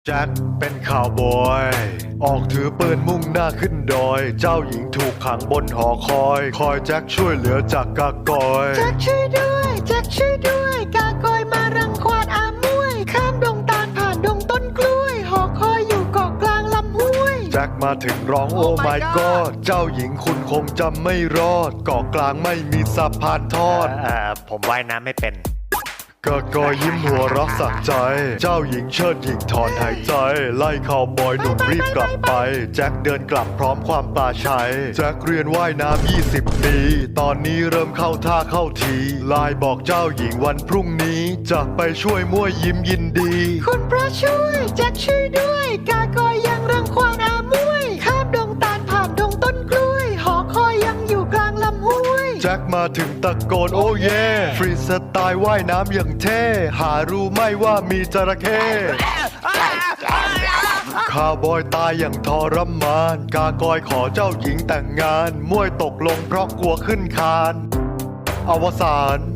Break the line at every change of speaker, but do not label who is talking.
แจ็คเป็นข่าวบอยออกถือปืนมุ่งหน้าขึ้นดอยเจ้าหญิงถูกขังบนหอคอยแจ็คช่วยเหลือจากกากอย
แจ็คช่วยด้วยแจ็คช่วยด้วยกากอยมารังควานอามวยข้ามดงตาลผ่านดงต้นกล้วยหอคอยอยู่เกาะกลางลำห้วย
แจ็คมาถึงร้องโอ้ my god เจ้าหญิงคุณคงจำไม่รอดเกาะกลางไม่มีสะพานทอด
ผมว่ายน้ำไม่เป็น
กากอยยิ้มหัวเรักสักใจ เจ้าหญิงเชิดหญิงถอนหายใจ ไล่ข่าวบอยหนุ่มรีบกลับไป แจ็คเดินกลับพร้อมความปลาชัย แจ็คเรียนว่ายน้ำ20 ปี ตอนนี้เริ่มเข้าท่าเข้าทีไลน์บอกเจ้าหญิงวันพรุ่งนี้ จะไปช่วยมั่วยิ้มยินดี
คุณพระช่วยแจ็คช่วยด้วยกากอยยังรังควานอามวยข้ามดงตาลผ่านดงต้นกล้วยหอคอยยังอยู่กลางลำห้วย
แจ็คมาถึงตะโกนโอ้เย่ฟรีสไตล์ว่ายน้ำอย่างเท่ หารู้ไหม่ว่ามีจระเข้ข้าวบอยตายอย่างทรมาน กากอยขอเจ้าหญิงแต่งงานมวยตกลงเพราะกลัวขึ้นคาน อวสาน